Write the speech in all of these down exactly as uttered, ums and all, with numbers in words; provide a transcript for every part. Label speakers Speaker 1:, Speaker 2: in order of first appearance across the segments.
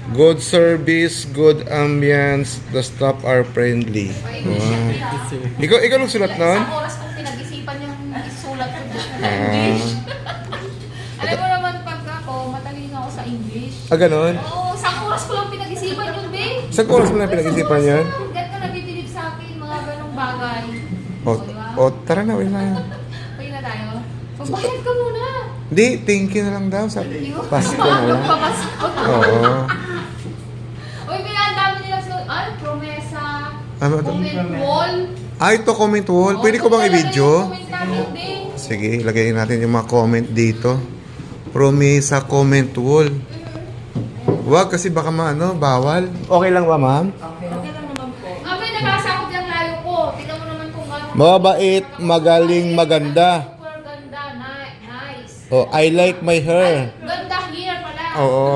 Speaker 1: Good service, good ambience, the staff are friendly. Wow. Ikaw, ikaw nung sulat nun?
Speaker 2: Isang oras kong pinag-isipan yung isulat ko dyan sa
Speaker 1: Ah.
Speaker 2: English. Alam mo naman pag ako, matalino ako sa English.
Speaker 1: Ah, ganun?
Speaker 2: Oo, isang oras ko lang pinag-isipan yun, babe.
Speaker 1: Isang oras mo na pinag-isipan yan?
Speaker 2: Ganito nabibilib sa akin, mga ganong bagay.
Speaker 1: O,
Speaker 2: di ba?
Speaker 1: o tara na, wala na.
Speaker 2: Pwede na tayo. Magbayad ka muna.
Speaker 1: Hindi, thank you na lang daw. Sabi, pass ko na lang.
Speaker 2: Magpapasko.
Speaker 1: Oo.
Speaker 2: Uy, may ang dami nilang sulat. Ay, promesa.
Speaker 1: Ano ito?
Speaker 2: Comment wall.
Speaker 1: Ah, ito comment wall. Pwede ko bang i-video? Sige, ilagay natin yung mga comment dito. Promesa comment wall. Wag kasi baka maano, bawal. Okay lang ba, ma'am?
Speaker 2: Okay lang naman po. Ah, may nakasakot yung layo ko. Tingnan mo naman kung ano.
Speaker 1: Mabait, magaling, maganda.
Speaker 2: Super ganda. Ni- Nice.
Speaker 1: Oh, I like my hair.
Speaker 2: Ganda here pala.
Speaker 1: Oo.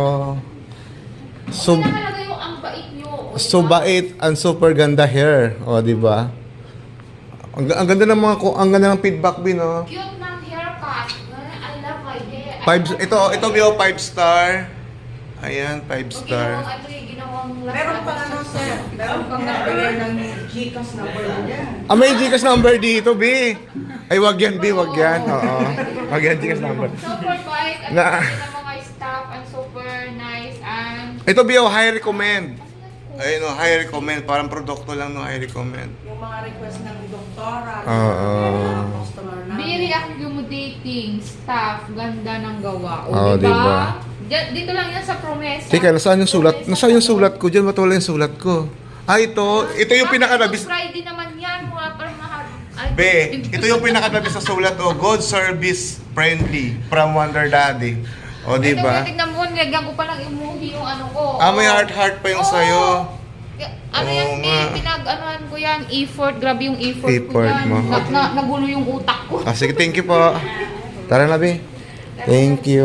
Speaker 1: So,
Speaker 2: Hindi nakalagay yung ang bait nyo. O,
Speaker 1: so
Speaker 2: diba?
Speaker 1: bait and super ganda hair. O, di ba? Ang, ang ganda ng mga ko- ang ganda ng feedback bin, oh.
Speaker 2: Cute ng haircut. I love my hair.
Speaker 1: Five, ito, ito Bio, five star. Ayan, five
Speaker 2: O,
Speaker 1: star.
Speaker 2: ginawang ano eh, ginawang
Speaker 3: Meron pa ano, sir. Meron pang nagbigay ng Gcash number niya.
Speaker 1: Ah, may Gcash number dito, B. Ay, wag yan, B, wag yan. Oo. Wag yan, Gcash number.
Speaker 2: Super bait. At
Speaker 1: Na-
Speaker 2: na, ng mga staff and super nice and
Speaker 1: Ito, Bio, high recommend. Ayun, oh, high recommend. Parang produkto lang no, high recommend.
Speaker 3: Yung mga request ng doktora,
Speaker 1: Oo.
Speaker 3: mga customer namin.
Speaker 2: very accommodating staff, ganda ng gawa. O,
Speaker 1: Oo,
Speaker 2: diba?
Speaker 1: diba?
Speaker 2: Diyan- Dito lang yan sa promesa.
Speaker 1: Teka, nasaan yung sulat? Nasaan yung sulat ko? Diyan, ba't wala yung sulat ko? Ah, ito. Ito yung pinaka-nabis.
Speaker 2: Friday naman yan, mga parang mahal. Ay,
Speaker 1: B, ito yung pinaka-nabis sa sulat. Oh, good service, friendly, from Wonder Daddy. O, di ba?
Speaker 2: Ito, tignan mo, nilagyan ko palang emoji yung ano ko.
Speaker 1: Ah, may heart-heart pa yung
Speaker 2: Oo.
Speaker 1: sa'yo.
Speaker 2: Ano
Speaker 1: Oo
Speaker 2: yan,
Speaker 1: nga.
Speaker 2: eh, pinag-anuhan ko yan, effort, grabe yung effort, ko
Speaker 1: Effort
Speaker 2: yan.
Speaker 1: mo.
Speaker 2: Na, na, nagulo yung utak ko.
Speaker 1: Ah, sige, thank you po. Tara na, B. Thank you.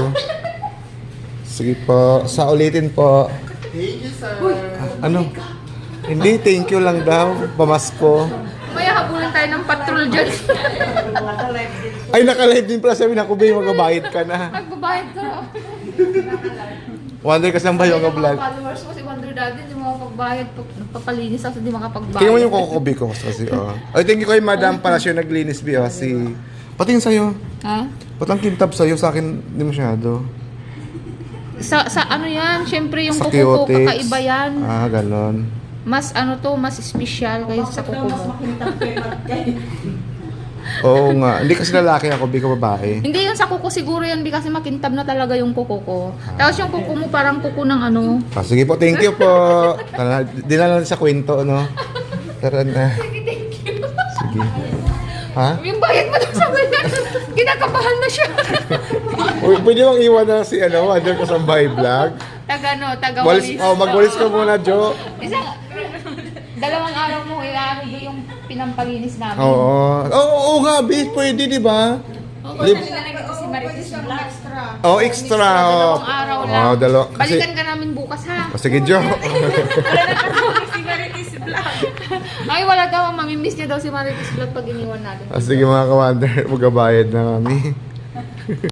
Speaker 1: Sige po. Sa ulitin po.
Speaker 3: Thank you, sir.
Speaker 1: Ano? Hindi, thank you lang daw. Pamasko.
Speaker 2: May habulan tayo ng patrol dyan.
Speaker 3: Naka-live din.
Speaker 1: Ay, naka-live din pala. Sabi na ko, B, magbabayad ka na.
Speaker 2: Magbabayad ka.
Speaker 1: Wonder kasi lang ba yung
Speaker 2: Mga
Speaker 1: vlog?
Speaker 2: followers mo si Wonder Daddy, hindi mo magbayad. Papalinis ako, hindi makapagbayad.
Speaker 1: Tingnan mo yung kukubi ko kasi, oh. Ay, thank you kay Madam Palacio naglinis, B, oh. Si... Pati yung sa'yo.
Speaker 2: Ha?
Speaker 1: Ba't ang kintab sa'yo? Sa akin, hindi masyado.
Speaker 2: Sa, sa ano yan, syempre yung
Speaker 1: Sa
Speaker 2: kuko ko,
Speaker 1: cutex.
Speaker 2: kakaiba yan.
Speaker 1: Ah, ganon.
Speaker 2: Mas ano to, mas special kaysa sa
Speaker 3: Bakit daw
Speaker 2: kuko
Speaker 3: mas
Speaker 2: mo.
Speaker 3: makintang kayo kayo?
Speaker 1: Oo nga. Hindi kasi lalaki ako, B, ka babae.
Speaker 2: Hindi yung sa kuko siguro yan, di kasi makintab na talaga yung kuko ko. Tapos yung kuko mo parang kuko ng ano.
Speaker 1: Ah, sige po, thank you po. Tara, dinala natin sa kwento, no? Tara na.
Speaker 2: Sige, thank you.
Speaker 1: Sige. Ha?
Speaker 2: Yung bayad mo daw sa kanya, kinakabahan na siya.
Speaker 1: Uy, pwede bang iwan na si, ano, Wonder Kasambay Vlog?
Speaker 2: Taga no, taga
Speaker 1: Walis,
Speaker 2: walis.
Speaker 1: oh, magwalis ka muna, Jo.
Speaker 2: Isang, dalawang araw mo, iano doon yung pinampalinis namin.
Speaker 1: Oo. Oo, oo nga, B, pwede, di ba? Lib-
Speaker 2: Si Marites Vlog.
Speaker 3: Extra.
Speaker 1: Oh, extra. Oh,
Speaker 2: Dalawang araw lang.
Speaker 1: Oh, dalawa. Kasi,
Speaker 2: Balikan ka namin bukas ha.
Speaker 1: oh, sige, Jo.
Speaker 2: Si Marites Vlog. Ay, wala daw. Mamimiss niya daw si Marites Vlog pag iniwan natin.
Speaker 1: Ah, sige mga ka-Wonder, magbabayad na kami.